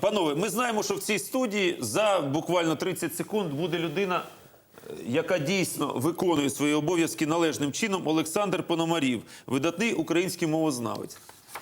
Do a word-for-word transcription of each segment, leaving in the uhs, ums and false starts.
Панове, ми знаємо, що в цій студії за буквально тридцять секунд буде людина, яка дійсно виконує свої обов'язки належним чином. Олександр Пономарів, видатний український мовознавець.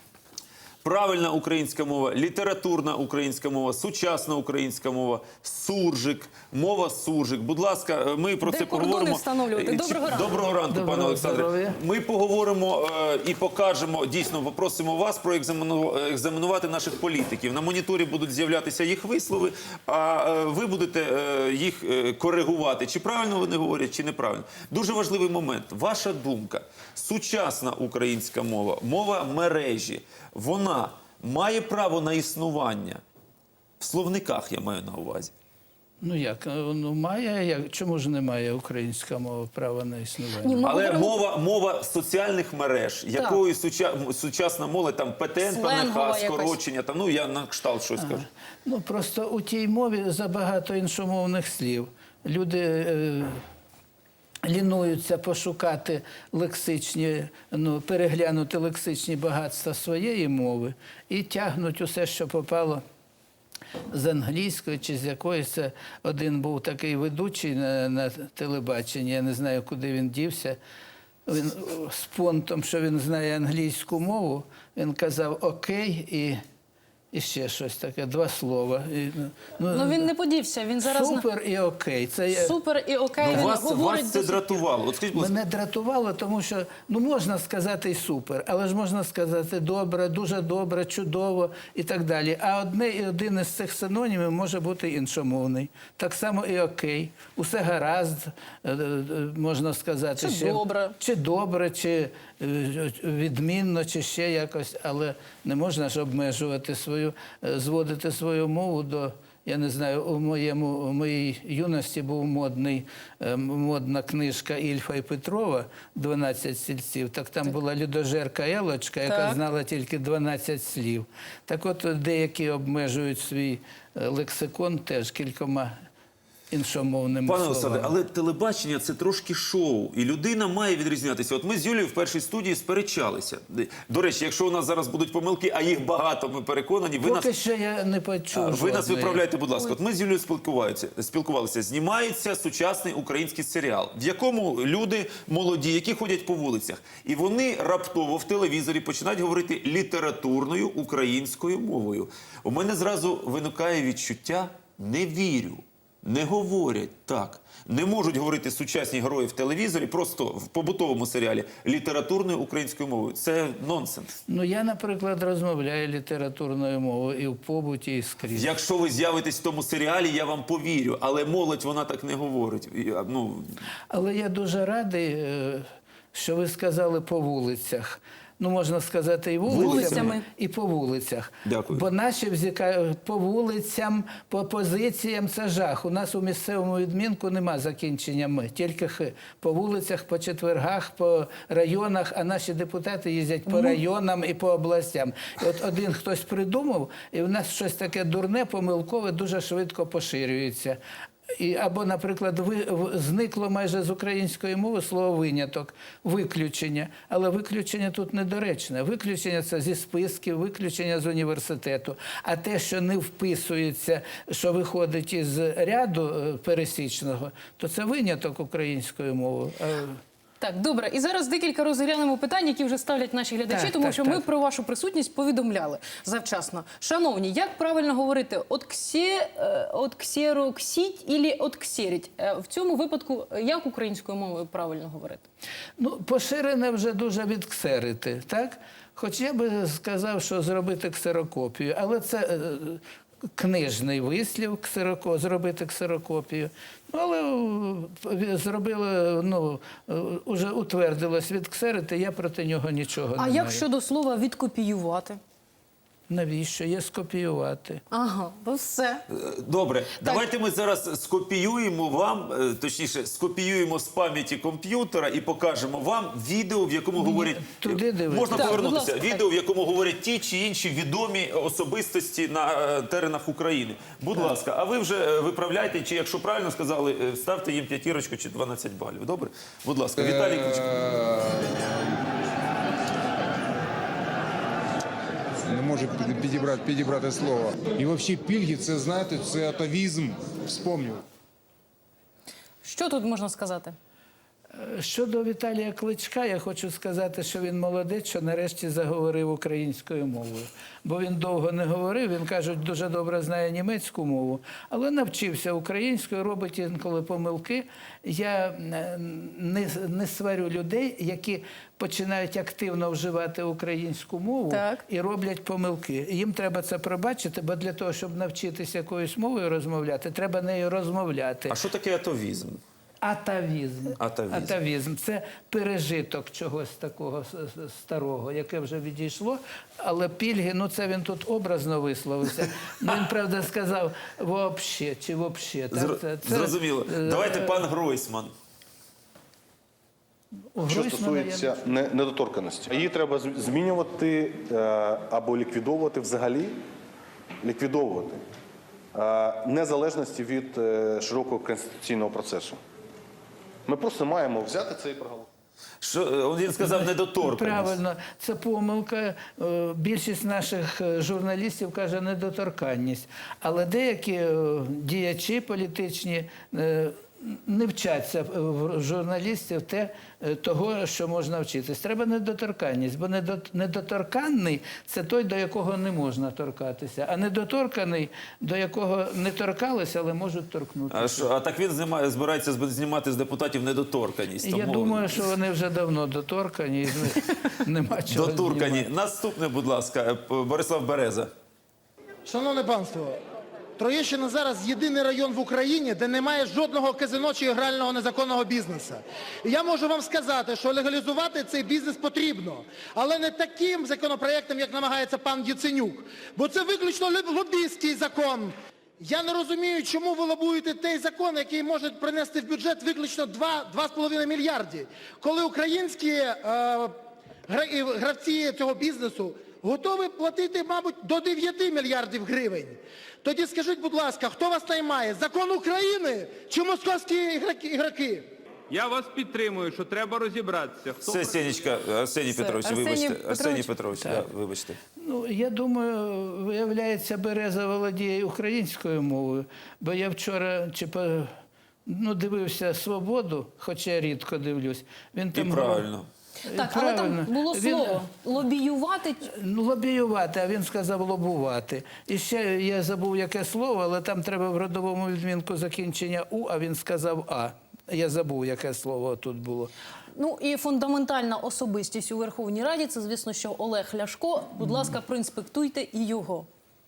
Правильна українська мова, літературна українська мова, сучасна українська мова, суржик, мова суржик. Будь ласка, ми про Де це кордони поговоримо. встановлювати? Доброго ранку. Доброго ранку, Доброго пане Олександре. здоров'я. Ми поговоримо е, і покажемо, дійсно, попросимо вас проекзаменувати наших політиків. На моніторі будуть з'являтися їх вислови, а е, ви будете е, їх е, коригувати. Чи правильно вони говорять, чи неправильно. Дуже важливий момент. Ваша думка. Сучасна українська мова, мова мережі, вона має право на існування? В словниках я маю на увазі. Ну як, ну має, як, чому ж немає українська мова права на існування? Ні, ми Але говоримо- мова, мова соціальних мереж, якою суча, сучасна молодь, там ПТН, Сленгова ПНХ, якась. скорочення, там, ну я на кшталт щось кажу. Ну просто у тій мові забагато іншомовних слів. Люди е, лінуються пошукати лексичні, ну, переглянути лексичні багатства своєї мови і тягнуть усе, що попало з англійської чи з якоїсь. Це один був такий ведучий на, на телебаченні, я не знаю, куди він дівся. Він з понтом, що він знає англійську мову, він казав «окей» і, і ще щось таке, два слова. І, ну, Ну він не подівся, він зараз... на- супер і окей. Це є- Супер і окей, Ну, він вас, говорить... вас це до сих пір. дратувало. От скажіть, будь ласка, Мене дратувало, тому що ну можна сказати і супер, але ж можна сказати добре, дуже добре, чудово і так далі. А одне і один із цих синонімів може бути іншомовний. Так само і окей. Усе гаразд, е, е, можна сказати. Чи ще, добре. Чи добре, чи е, відмінно, чи ще якось. Але не можна ж обмежувати свою, е, зводити свою мову до... Я не знаю, у, моєму, у моїй юності був модний, е, модна книжка Ільфа і Петрова «дванадцять стільців». Так там була людожерка Елочка, яка Так. знала тільки дванадцять слів. Так от деякі обмежують свій е, лексикон теж кількома іншомовними пане словами. Олександре, але телебачення – це трошки шоу, і людина має відрізнятися. От ми з Юлією в першій студії сперечалися. До речі, якщо у нас зараз будуть помилки, а їх багато, ми переконані, ви нас... Поки що я не почув Ви нас жодної. виправляйте, будь ласка. От ми з Юлією спілкувалися, спілкувалися. Знімається сучасний український серіал, в якому люди молоді, які ходять по вулицях. І вони раптово в телевізорі починають говорити літературною українською мовою. У мене зразу виникає відчуття «не вірю». Не говорять так. Не можуть говорити сучасні герої в телевізорі, просто в побутовому серіалі, літературною українською мовою. Це нонсенс. Ну, я, наприклад, розмовляю літературною мовою і в побуті, і скрізь. Якщо ви з'явитесь в тому серіалі, я вам повірю. Але молодь, вона так не говорить. Я, ну, Але я дуже радий, е, що ви сказали по вулицях. Ну, можна сказати, і вулицями, Вулицями. і по вулицях. Дякую. Бо наші взяка... по вулицям, по позиціям – це жах. У нас у місцевому відмінку нема закінчення «ми», тільки «х». По вулицях, по четвергах, по районах, а наші депутати їздять по районам і по областям. І от один хтось придумав, і в нас щось таке дурне, помилкове, дуже швидко поширюється. І, або, наприклад, ви, в- зникло майже з української мови слово «виняток», «виключення». Але виключення тут недоречне. Виключення – це зі списків, виключення з університету. А те, що не вписується, що виходить із ряду е, пересічного, то це виняток української мови. А Так, добре. І зараз декілька розглянемо питань, які вже ставлять наші глядачі, Так, тому так, що ми так. про вашу присутність повідомляли завчасно. Шановні, як правильно говорити? От ксе, е, от ксероксіть ілі от ксеріть? Е, В цьому випадку е, як українською мовою правильно говорити? Ну, поширене вже дуже відксерити, так? Хоч я би сказав, що зробити ксерокопію, але це е, книжний вислів, ксероко, зробити ксерокопію. Ну, але е, зробили, ну, е, уже утвердилось відксерити, я проти нього нічого А не як маю. щодо слова «відкопіювати»? Навіщо? Є скопіювати. Ага, ну все. добре, давайте ми зараз скопіюємо вам, е, точніше, скопіюємо з пам'яті комп'ютера і покажемо вам відео, в якому говорять... туди дивитися. Можна Так, повернутися. будь ласка, Відео, в якому говорять ті чи інші відомі особистості на е, теренах України. Будь ласка, а ви вже е, виправляйте, чи якщо правильно сказали, е, ставте їм п'ятірочку чи дванадцять балів. Добре? Будь ласка, Віталій Кличко. не можу підібрати, підібрати слово. І взагалі пільги, це, знаєте, це атавізм, вспомнив. Що тут можна сказати? Щодо Віталія Кличка, я хочу сказати, що він молодець, що нарешті заговорив українською мовою. Бо він довго не говорив, він, кажуть, дуже добре знає німецьку мову, але навчився українською, робить інколи помилки. Я не, не сварю людей, які починають активно вживати українську мову Так. і роблять помилки. Їм треба це пробачити, бо для того, щоб навчитися якоюсь мовою розмовляти, треба нею розмовляти. А що таке атовізм? Атавізм. Атавізм. Атавізм. Це пережиток чогось такого с- с- старого, яке вже відійшло. Але пільги, ну це він тут образно висловився. Ну, він, правда, сказав «вообще» чи «вообще». Так? Зр... Це- це, Зрозуміло. е, Давайте пан Гройсман. у Що Гройсмана стосується не- недоторканності, її треба з- змінювати е, або ліквідовувати взагалі, ліквідовувати е, незалежності від е, широкого конституційного процесу. Ми просто маємо взяти це і проголосувати. Що е, він сказав недоторканість. Правильно, це помилка. Е, Більшість наших е, журналістів каже недоторканність. Але деякі е, діячі політичні е, не вчаться в журналістів те, е, того, що можна вчитись. Треба недоторканність, бо недо- недоторканний – це той, до якого не можна торкатися, а недоторканий – до якого не торкалися, але можуть торкнутися. А, що, а так він знімає, збирається зб- знімати з депутатів недоторканість. Я тому- думаю, що вони вже давно доторкані, і з них нема чого Доторкані. знімати. Наступне, будь ласка, е, Борислав Береза. Шановне панство, Троєщина зараз єдиний район в Україні, де немає жодного казино чи грального незаконного бізнесу. І я можу вам сказати, що легалізувати цей бізнес потрібно, але не таким законопроєктом, як намагається пан Яценюк, бо це виключно лоб- лобістський закон. Я не розумію, чому ви лобуєте той закон, який може принести в бюджет виключно два з половиною мільярди, коли українські е, гра- і гравці цього бізнесу готові платити, мабуть, до дев'яти мільярдів гривень. Тоді скажіть, будь ласка, хто вас наймає? Закон України чи московські ігроки- ігроки? Я вас підтримую, що треба розібратися. Хто Все, Сенечка, Арсеній Все. Петрович, Арсеній вибачте. Петрович. Арсеній Петрович, да, вибачте. Ну, я думаю, виявляється, Береза володіє українською мовою, бо я вчора чи по, ну, дивився «Свободу», хоча я рідко дивлюсь. Він І там правильно. Так, але там правильно. було Він- слово лобіювати. Ну, лобіювати, а він сказав лобувати. І ще я забув, яке слово, але там треба в родовому відмінку закінчення «у», а він сказав «а». Я забув, яке слово тут було. Ну і фундаментальна особистість у Верховній Раді – це, звісно, що Олег Ляшко. Будь ласка, проінспектуйте і його.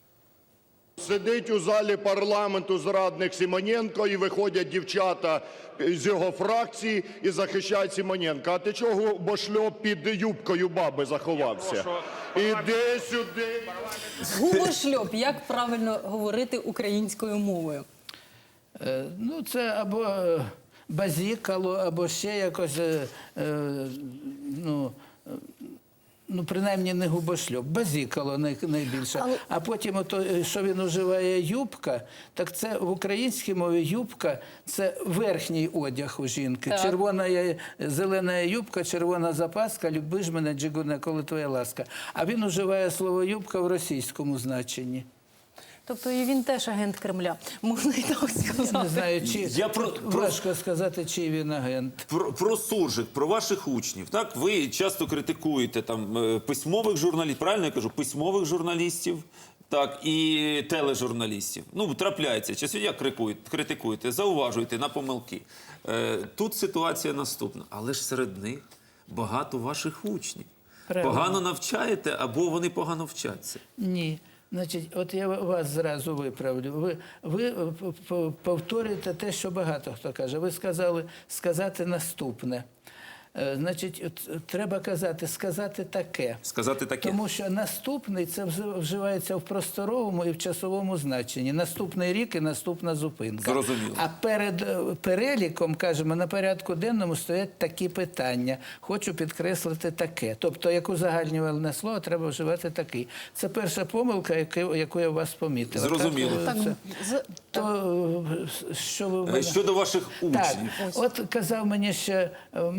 Сидить у залі парламенту зрадник Симоненко, і виходять дівчата з його фракції і захищають Симоненка. А ти чого, бошльоп, під юбкою баби заховався? Іди сюди. Губошльоп. Як правильно говорити українською мовою? Е, Ну, це або е, базікало, або ще якось, е, е, ну, е, ну, принаймні не губошльоп, базікало най, найбільше. Але- А потім, ото, е, що він уживає юбка, так це в українській мові юбка – це верхній одяг у жінки. Так. Червона є, зелена юбка, червона запаска, люби ж мене, джигуне, коли твоя ласка. А він уживає слово юбка в російському значенні. Тобто і він теж агент Кремля, можна і так Я не сказати. знаю, чи Я про- тут про- важко сказати, чий він агент. Про, про суржик, про ваших учнів. Так, ви часто критикуєте там е, письмових журналістів, правильно я кажу, письмових журналістів, так, і тележурналістів. Ну, трапляється, час від як критикуєте, критикуєте, зауважуєте на помилки. Е, тут ситуація наступна. Але ж серед них багато ваших учнів. Правильно. Погано навчаєте або вони погано вчаться. Ні. Значить, от я вас зразу виправлю. Ви, ви е, п- п- повторюєте те, що багато хто каже. Ви сказали сказати наступне. Е, Значить, от треба казати, сказати таке. Сказати таке. Тому що наступний це вз- вживається в просторовому і в часовому значенні. Наступний рік і наступна зупинка. Зрозуміло. А перед е, переліком, кажемо, на порядку денному стоять такі питання. Хочу підкреслити таке. Тобто, як узагальнювальне слово, треба вживати такий. Це перша помилка, яку, яку я у вас помітила. Зрозуміло. Так, Так, це- з- то, е, що ви в Е, мене... Щодо ваших Так, учнів. от казав мені ще е, Микола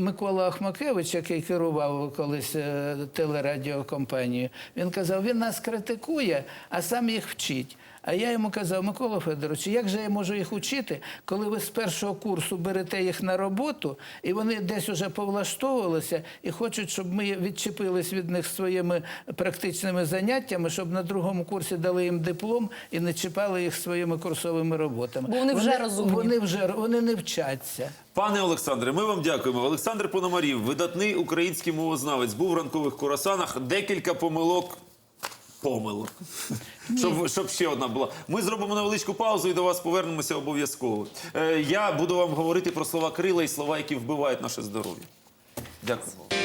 Микола Ахмакевич, який керував колись е, телерадіокомпанією, він казав, він нас критикує, а сам їх вчить. А я йому казав, Микола Федорович, як же я можу їх учити, коли ви з першого курсу берете їх на роботу, і вони десь уже повлаштовувалися, і хочуть, щоб ми відчепились від них своїми практичними заняттями, щоб на другому курсі дали їм диплом і не чіпали їх своїми курсовими роботами. Бо вони вже розумні. Вони вже вони не вчаться. Пане Олександре, ми вам дякуємо. Олександр Пономарів, видатний український мовознавець, був в ранкових курасанах. Декілька помилок. Помилок. Щоб, щоб ще одна була. Ми зробимо невеличку паузу і до вас повернемося обов'язково. Е, я буду вам говорити про слова крила і слова, які вбивають наше здоров'я. Дякую.